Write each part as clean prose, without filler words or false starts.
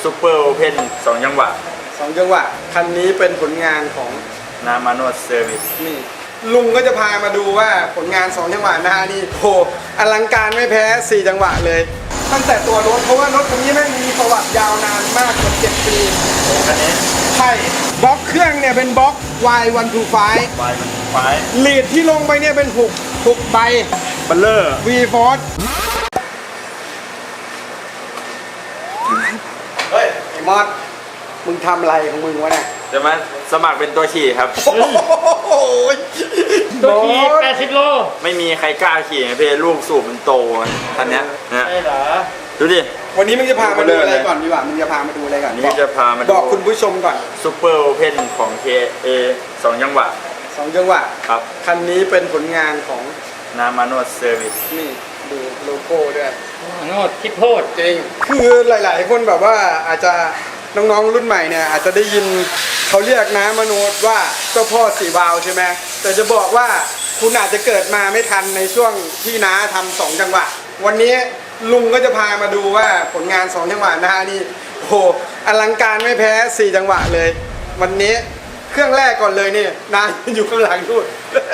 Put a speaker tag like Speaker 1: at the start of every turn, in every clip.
Speaker 1: ซูเปอร์โอเพน2 จังหวะ
Speaker 2: 2 จังหวะคันนี้เป็นผลงานของ
Speaker 1: นามาโนเซอร์วิส
Speaker 2: นี่ลุงก็จะพามาดูว่าผลงาน 2 จังหวะนะนี่โหอลังการไม่แพ้4 จังหวะเลยตั้งแต่ตัวรถเพราะว่ารถคันนี้แม่งมีประวัติยาวนานมากกว่า7 ปี
Speaker 1: คันนี้
Speaker 2: ใช่บล็อกเครื่องเนี่ยเป็นบล็อก Y125 ลีดที่ลงไปเนี่ยเป็น6ใบ
Speaker 1: บัลเลอร์
Speaker 2: V Force เฮ้ยไอ้มอสมึงทำอะไรของมึงวะเนี่ย
Speaker 1: จะมาสมัครเป็นตัวขี่ครับ
Speaker 3: ตัวขี่80 โล
Speaker 1: ไม่มีใครกล้าขี่ไงพี่ลูกสูบมันโตคันนี้นะ
Speaker 3: ใช่เหรอ
Speaker 1: ดูดิ
Speaker 2: วันนี้มึงจะพามาดูอะไรก่อนดีกว่ามึงจะพามาดูอะไรก่อน
Speaker 1: นี่จะพามา
Speaker 2: บอกคุณผู้ชมก่อน
Speaker 1: ซูเปอร์โอเพนของ KA 2 จังหวะ
Speaker 2: 2 จังหวะ
Speaker 1: ครับ
Speaker 2: คันนี้เป็นผลงานของ
Speaker 1: นามาโนเซอร์วิส
Speaker 2: นี่ดูโลโก้ด้วย
Speaker 3: โนดคิดโทษ
Speaker 2: จริงคือหลายๆคนแบบว่าอาจจะน้องๆรุ่นใหม่เนี่ยอาจจะได้ยินเขาเรียกน้ามโนดว่าเจ้าพ่อ4 วาล์วใช่ไหมแต่จะบอกว่าคุณอาจจะเกิดมาไม่ทันในช่วงที่น้าทำ2 จังหวะวันนี้ลุงก็จะพามาดูว่าผลงาน2 จังหวะนะนี่โอ้โหอลังการไม่แพ้4 จังหวะเลยวันนี้เครื่องแรกก่อนเลยนี่น้าอยู่ข้างหลังนู่น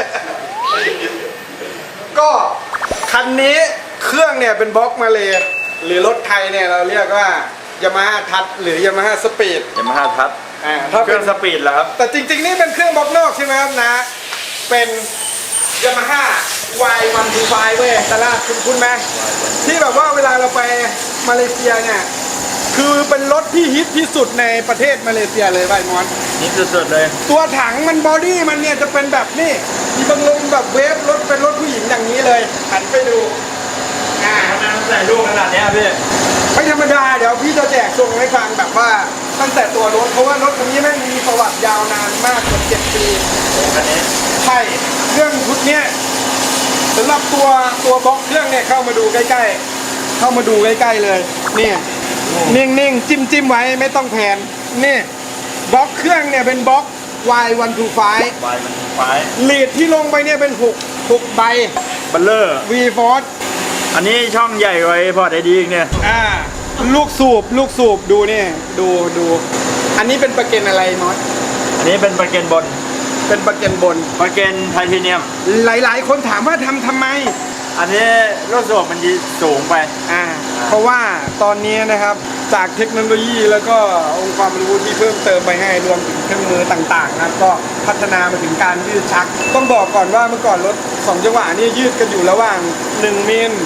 Speaker 2: ก็คันนี้เครื่องเนี่ยเป็นบล็อกมาเลยหรือรถไทยเนี่ยเราเรียกว่ายามาฮ่าทัชหรือยามาฮ่าสปีด
Speaker 1: ยามาฮ่าทัชเครื่องสปีดเหรอครับ
Speaker 2: แต่จริงๆนี่เป็นเครื่องบล็อกนอกใช่ไหมครับนะเป็นยามาฮ่า Y125 เว้ยตลาดคุณไหมที่แบบว่าเวลาเราไปมาเลเซียเนี่ยคือเป็นรถที่ฮิตที่สุดในประเทศมาเลเซียเลยไวมอน
Speaker 1: ฮิตสุดๆเลย
Speaker 2: ตัวถังมันบอดี้มันเนี่ยจะเป็นแบบนี้มีบังลมแบบเวฟรถเป็นรถผู้หญิงอย่างนี้เลยหันไปดู
Speaker 1: ทำไมมันใส่ลูกขนาดนี้พี่
Speaker 2: ไม่ธรรมดาเดี๋ยวพี่จะแจกทรงให้ฟังแบบว่าตั้งแต่ตัวรถเพราะว่ารถคันนี้แม่งมีประวัติยาวนานมากกว่า7 ปี
Speaker 1: คันนี้
Speaker 2: ใช่เครื่องชุดเนี้ยสำหรับตัวบล็อกเครื่องเนี่ยเข้ามาดูใกล้ๆเลยนี่นิ่งๆจิ้มไว้ไม่ต้องแผนนี่บล็อกเครื่องเนี่ยเป็นบล็อก Y125 ลีดที่ลงไปเนี่ยเป็น6ใบ
Speaker 1: บัลเลอร์
Speaker 2: V Force
Speaker 1: อันนี้ช่องใหญ่กว่าพอร์ตไอดีเนี่ย
Speaker 2: ลูกสูบดูนี่ดูอันนี้เป็นประเก็นอะไรน็อต
Speaker 1: อันนี้เป็นประเก็นบน
Speaker 2: ประเก็น
Speaker 1: ไทเทเนียม
Speaker 2: หลายๆคนถามว่าทำไม
Speaker 1: อันนี้ลูกสูบมันสูงไป
Speaker 2: เพราะว่าตอนนี้นะครับจากเทคโนโลยีแล้วก็องค์ความรู้ที่เพิ่มเติมไปให้รวมถึงเครื่องมือต่างๆนะก็พัฒนามาถึงการยืดชักต้องบอกก่อนว่าเมื่อก่อนรถ2 จังหวะนี่ยืดกันอยู่ระหว่าง1 มิล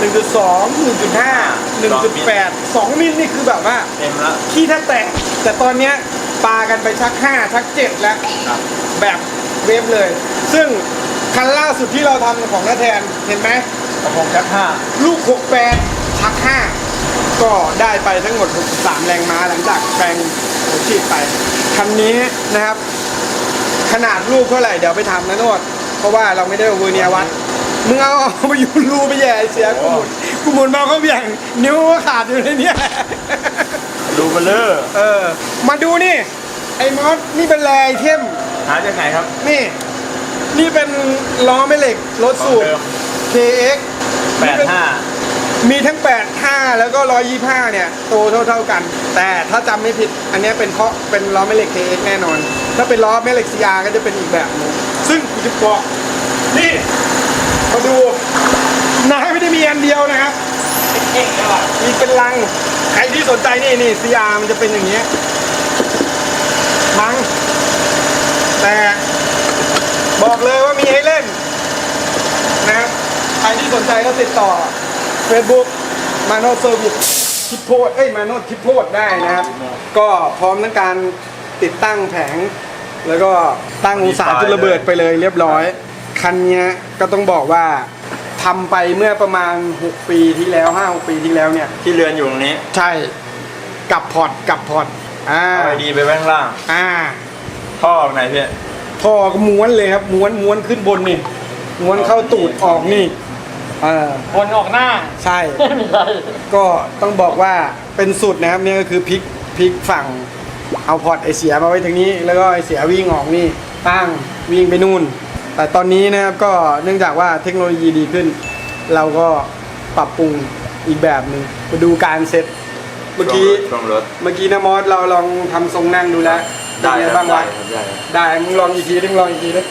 Speaker 2: 1.2 1.5 1.8 2 มิลนี่คือแบบว่า
Speaker 1: เต็มแล้ว
Speaker 2: ขี้แทบแตกแต่ตอนนี้ปากันไปชัก5ชัก7แล้วแบบเวฟเลยซึ่งคันล่าสุดที่เราทำของน้าแทนเห็นไหม
Speaker 1: ของชัก5
Speaker 2: ลูก68ชัก5ก็ได้ไปทั้งหมด63แรงม้าหลังจากแปลงหัวฉีดไปคันนี้นะครับขนาดลูกเท่าไหร่เดี๋ยวไปทำนะโนดเพราะว่าเราไม่ได้เอาเวอร์เนียวัดมึงเอาไปอยู่รูไปแย่เสียกูหมุนมาเขาเบี่ยงนิ้วขาดอยู่ในนี้
Speaker 1: ดูเบลเลอร์
Speaker 2: มาดูนี่ไอ้มอสนี่เป็นแรไอเทม
Speaker 1: หาจากไหนครับ
Speaker 2: นี่เป็นล้อแม่เหล็กรถสูบ KX
Speaker 1: 85
Speaker 2: มีทั้ง85แล้วก็125เนี่ยโตเท่ากันแต่ถ้าจำไม่ผิดอันนี้เป็นล้อแม่เหล็ก KX แน่นอนถ้าเป็นล้อแม่เหล็ก CR ก็จะเป็นอีกแบบนึงซึ่งกูจะบอกนี่มาดูนายไม่ได้มีอันเดียวนะครับมีเป็นลังใครที่สนใจนี่ CR มันจะเป็นอย่างเงี้ยทั้งแต่บอกเลยว่ามีให้เล่นนะครับใครที่สนใจก็ติดต่อ Facebook มาโนเซอร์วิสทิพโพดมาโนทิพโพดได้นะครับก็พร้อมทั้งการติดตั้งแผงแล้วก็ตั้งองศาจุดระเบิดไปเลยเรียบร้อยคันนี้ก็ต้องบอกว่าทำไปเมื่อประมาณ6 ปีที่แล้ว5-6 ปีที่แล้วเนี่ย
Speaker 1: ที่เรือนอยู่ตรงนี้
Speaker 2: ใช่กับพอร์ต
Speaker 1: เอาดีไปข้างล่างท่อไหนพี่
Speaker 2: ท่อก็ม้วนเลยครับม้วนขึ้นบนนี่ม้วนเข้าตูดออกนี่
Speaker 3: วนออกหน้า
Speaker 2: ใช่ก็ต้องบอกว่าเป็นสุดนะครับนี่ก็คือพลิกฝั่งเอาพอร์ตไอเสียมาไว้ทางนี้แล้วก็ไอเสียวิ่งออกนี่ตั้งวิ่งไปนู่นแต่ตอนนี้นะครับก็เนื่องจากว่าเทคโนโลยีดีขึ้นเราก็ปรับปรุงอีกแบบนึงมาดูการเซ็ตเมื่อกี้
Speaker 1: ช่วงรถ
Speaker 2: เมื่อกี้นะมอสเราลองทำทรงนั่งดูแล้ว
Speaker 1: ได้
Speaker 2: เป็น
Speaker 1: ค
Speaker 2: ไง
Speaker 1: รับ
Speaker 2: บ้างวะ
Speaker 1: ได้
Speaker 2: ได้มึงลองอีกทีดิมึงลองอีกทีดิ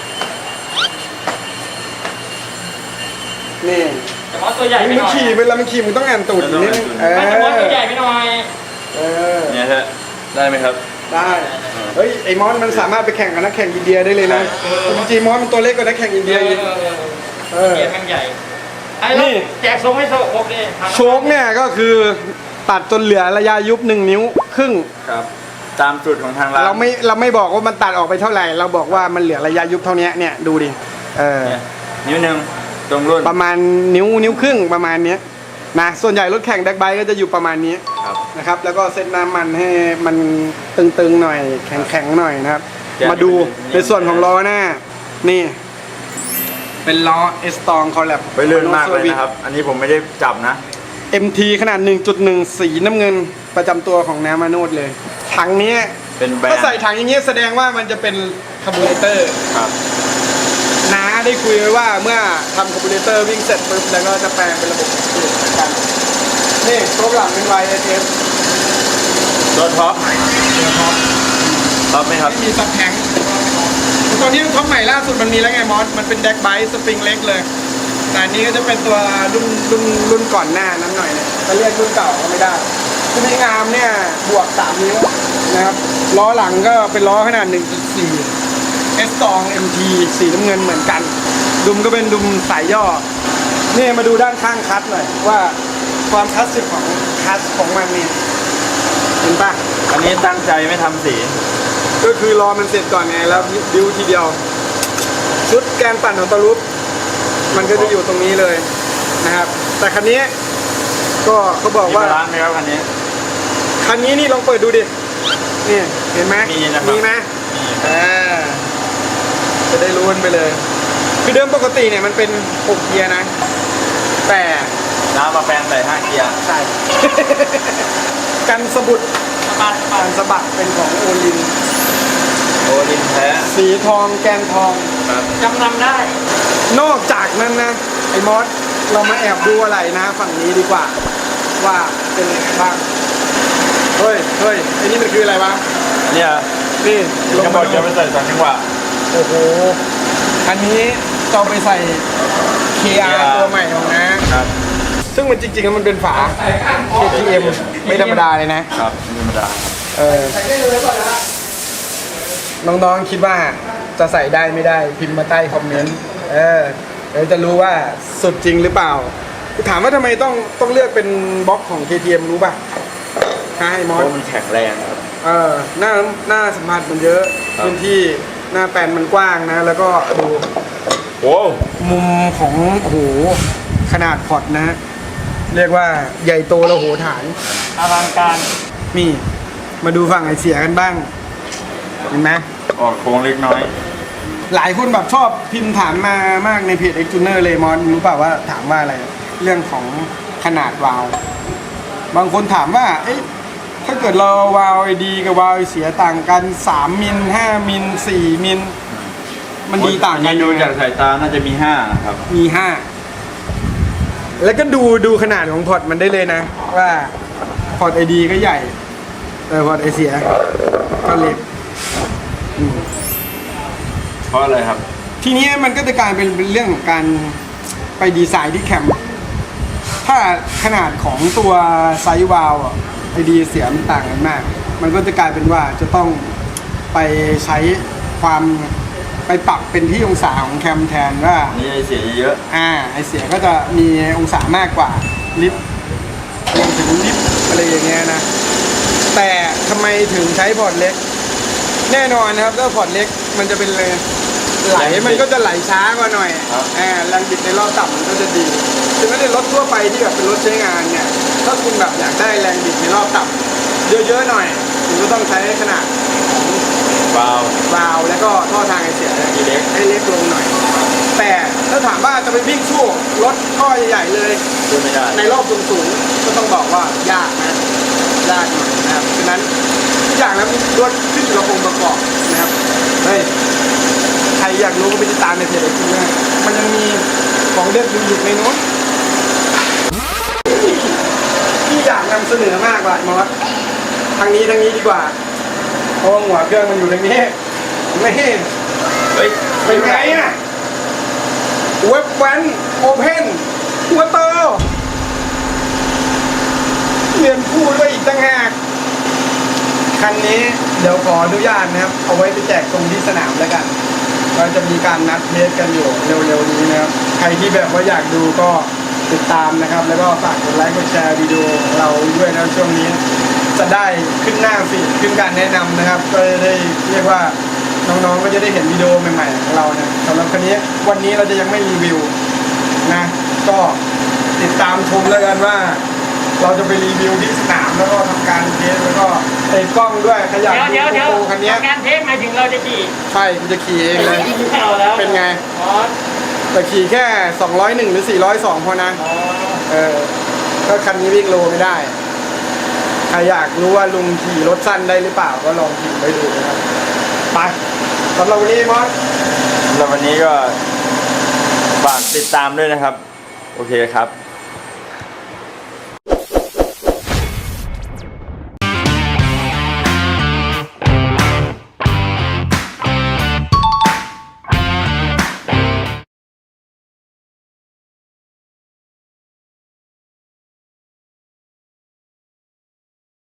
Speaker 2: นี่
Speaker 3: แต่ว่าตัวใหญ่ไป
Speaker 2: มึ
Speaker 3: ห
Speaker 2: ง
Speaker 3: น่อย
Speaker 2: ขี่เวลามึงขี่มึงต้องอ่านตูดนิดนึง
Speaker 3: ไม่แต่ว่าตัวใหญ่ไปหน่อย
Speaker 2: เออ
Speaker 1: เนี่ยฮะได้ไหมครับ
Speaker 2: ได้เฮ้ยไอ้มอสมันสามารถไปแข่งกับนักแข่งอินเดียได้เลยนะจริงๆมอสมันตัวเล็กกว่านักแข่งอินเดียอีก
Speaker 3: เกียร์แม่งใหญ่ไอ้นี่แจกทรงให้โชคดิ
Speaker 2: โชคเนี่ยก็คือตัดจนเหลือระยะยุบ1 นิ้วครึ่ง
Speaker 1: ครับ ตามจุดของทางร้าน
Speaker 2: เราไม่บอกว่ามันตัดออกไปเท่าไหร่ เราบอกว่ามันเหลือระยะยุบเท่านี้เนี่ยดูดิ
Speaker 1: เนี่ยนิ้วหนึ่งตรงรุ่น
Speaker 2: ประมาณนิ้วครึ่งประมาณเนี้ยนะส่วนใหญ่รถแข่งแดกไบค์ก็จะอยู่ประมาณนี้
Speaker 1: ครับ
Speaker 2: นะครับแล้วก็เซตน้ำมันให้มันตึงๆหน่อยแข็งๆหน่อยนะครับมาดูในส่วนของล้อหน้านี่เป็นล้อเอสตองคอลแลบ
Speaker 1: ไปเลื่อนมากเลยนะครับ อันนี้ผมไม่ได้จับนะ
Speaker 2: MT ขนาด 1.1 สีน้ำเงินประจำตัวของน้ำมาโนดเลยถังเนี้ย
Speaker 1: เป็นแบรนด์
Speaker 2: ถ้าใส่ถังอย่างเงี้ยแสดงว่ามันจะเป็นคาร์บูเรเตอร์
Speaker 1: ครับ
Speaker 2: น้าได้คุยไว้ว่าเมื่อทำคาร์บูเรเตอร์วิ่งเสร็จปุ๊บแล้วก็จะแปลงเป็นระบบสูบเหมือนกันนี่โต๊ะหลังเป็น YSS
Speaker 1: ตัวท็อปท็อปไหมครับ
Speaker 2: ไม่มีซับแทงตัวนี้ท็อปใหม่ล่าสุดมันมีแล้วไงมอสมันเป็นแดกไบค์สปริงเล็กเลยแต่อันนี้ก็จะเป็นตัวรุ่นก่อนหน้านั้นหน่อยเนี่ยจะเรียกรุ่นเก่าก็ไม่ได้คือในงามเนี่ยบวก3 นิ้วนะครับล้อหลังก็เป็นล้อขนาด 1.4 S2 MT สีน้ำเงินเหมือนกันดุมก็เป็นดุมสายย่อนี่มาดูด้านข้างคัสหน่อยว่าความคลาสสิกของคัสของมันนี่เห็นปะ
Speaker 1: อันนี้ตั้งใจไม่ทำสี
Speaker 2: ก็คือรอมันเสร็จก่อนไงแล้วดิวทีเดียวชุดแกนปั่นของตะลุปมันก็จะอยู่ตรงนี้เลยนะครับแต่คันนี้ก็เขาบอก
Speaker 1: มี
Speaker 2: ว่า
Speaker 1: ร้านไหมครับคันนี้
Speaker 2: คันนี้นี่ลองเปิดดูดินี่เห็นไหม
Speaker 1: มีนะครับ
Speaker 2: มีไหม จะได้รู้กันไปเลย คือเดิมปกติเนี่ยมันเป็น6 เกียร์นะ แต่
Speaker 1: น้ำมาแปลงใส่5 เกียร์
Speaker 2: ใช่ กันสะบุด
Speaker 3: ปัด
Speaker 2: กันสะบัดเป็นของโอลิน
Speaker 1: โอลินแท้
Speaker 2: สีทองแกนทอง
Speaker 1: ครับ
Speaker 3: จำนำได้
Speaker 2: นอกจากนั้นนะ ไอ้มอสเรามาแอบดูอะไรนะฝั่งนี้ดีกว่า ว่าเป็นยังไงบ้าง เฮ้ยไอ้นี่มันคืออะไรวะ
Speaker 1: เนี่ย
Speaker 2: นี่ลง
Speaker 1: จะบ
Speaker 2: มา
Speaker 1: อกจะไปใส่2 จังหวะ
Speaker 2: โอ้โหอันนี้จะเอาไปใส่ KR ตัวใหม่ของนะ
Speaker 1: ครับ
Speaker 2: ซึ่งมันจริงๆแล้วมันเป็นฝา KTM ไม่ธรรมดาเลยนะ
Speaker 1: ครับไม่ธรรมดา
Speaker 2: น้องๆคิดว่าจะใส่ได้ไม่ได้พิมพ์มาใต้คอมเมนต์เดี๋ยวจะรู้ว่าสุดจริงหรือเปล่าถามว่าทำไมต้องเลือกเป็นบล็อกของ KTM รู้ป่ะให้มอ
Speaker 1: เพ
Speaker 2: ส
Speaker 1: ราะมันแข็งแรงครับ
Speaker 2: หน้าสัมผัสมันเยอะ
Speaker 1: ครับ
Speaker 2: พื้นที่หน้าแปลนมันกว้างนะ แล้วก็ดู
Speaker 1: โอ้
Speaker 2: มุมของโอ้โหขนาดพอร์ตนะ เรียกว่าใหญ่โตระโหฐาน
Speaker 3: อลังการ
Speaker 2: นี่มาดูฝั่งไอเสียกันบ้าง เห็นไหม
Speaker 1: ออกโค้งเล็กน้อย
Speaker 2: หลายคนแบบชอบพิมพ์ถามมามากในเพจ Extuner เลยมอนรู้เปล่าว่าถามว่าอะไร เรื่องของขนาดวาล์วบางคนถามว่าเอ๊ะถ้าเกิดเราวาล์วไอดีกับวาล์วไอเสียต่างกัน3 มิล5 มิล4 มิลมันดีต่างกัน
Speaker 1: ดูจากสายตาน่าจะมี5ครับ
Speaker 2: มี5แล้วก็ดูขนาดของพอร์ตมันได้เลยนะ ว่าพอร์ตไอดีก็ใหญ่ แต่พอร์ตไอเสียก็เล็ก
Speaker 1: เพราะอะไรครับ
Speaker 2: ทีนี้มันก็จะกลายเป็นเรื่องของการไปดีไซน์ที่แคมป์ถ้าขนาดของตัวไซส์วาล์วไอดีเสียมันต่างกันมาก มันก็จะกลายเป็นว่าจะต้องไปใช้ความไปปรับเป็นที่องศาของแคมแทนว่า
Speaker 1: นี่ไอเสียเยอะ
Speaker 2: ไอเสียก็จะมีองศามากกว่าลิฟต์รวมถึงลิฟต์อะไรอย่างเงี้ยนะ แต่ทำไมถึงใช้พอร์ตเล็ก แน่นอนนะครับถ้าพอร์ตเล็กมันจะเป็นเลยไหลมันก็จะไหลช้ากว่าหน่อยแรงบิดในรอบต่ำมันก็จะดีถึงแม้ในรถทั่วไปที่แบบเป็นรถใช้งานเนี่ยถ้าคุณแบบอยากได้แรงบิดในรอบต่ำเยอะๆหน่อยคุณก็ต้องใช้ขนาด
Speaker 1: ๆวาว
Speaker 2: วาล์วแล้วก็ท่อทางไอเสีย
Speaker 1: เล็ก
Speaker 2: ให้เล็กลงหน่อย แต่ถ้าถามว่าจะไปวิ่งสู้รถท่อใหญ่ๆเลย
Speaker 1: ดูไม่ได้
Speaker 2: ในรอบสูงๆก็ต้องบอกว่ายากนะยากหน่อยนะครับฉะนั้นทุกอย่างแล้วรถขึ้นอยู่กับองค์ประกอบนะครับเฮ้ยใครอยากรู้ก็ไปติดตามในเพจไอคิวนะมันยังมีของเด็ดอยู่ในโน้นที่อยากนำำเสนอมากว่ะมอสทางนี้ดีกว่าเพราะว่าหัวเครื่องมันอยู่ตรงนี้ไม่
Speaker 1: เฮ้ย
Speaker 2: เป็นไงอ่ะเว็บแวนโอเพนหัวโตเรียนพูดด้วยอีกต่างหากคันนี้เดี๋ยวขออนุญาตนะครับเอาไว้ไปแจกตรงที่สนามแล้วกันเราจะมีการนัดเทสกันอยู่เร็วๆนี้นะครับใครที่แบบว่าอยากดูก็ติดตามนะครับ แล้วก็ฝากกดไลค์กดแชร์วิดีโอของเราด้วยนะช่วงนี้จะได้ขึ้นหน้าฟีดขึ้นการแนะนำนะครับ ก็จะได้เรียกว่าน้องๆก็จะได้เห็นวิดีโอใหม่ๆของเรานะสำหรับคันนี้วันนี้เราจะยังไม่รีวิวนะก็ติดตามชมแล้วกันว่า เราจะไปรีวิวที่สนามแล้วก็ทำการเทสแล้วก็ติดกล้องด้วยขยัน
Speaker 3: เดี๋ยว
Speaker 2: ดูโปรคันนี้
Speaker 3: การเทสหมายถึงเราจะขี่
Speaker 2: ใช่กูจะขี่เองเลย
Speaker 3: ไม่เอาแล้ว
Speaker 2: เป็นไง
Speaker 3: อ๋อ
Speaker 2: แต่ขี่แค่ 201 หรือ 402 พอนะ
Speaker 3: อ๋อ
Speaker 2: ก็คันนี้วิ่งโลไม่ได้ ใครอยากรู้ว่าลุงขี่รถสั้นได้หรือเปล่าก็ลองขี่ไปดูนะครับ ไปสำหรับวันนี้มอส
Speaker 1: สำหรับวันนี้ก็ฝากติดตามด้วยนะครับ โอเคครับ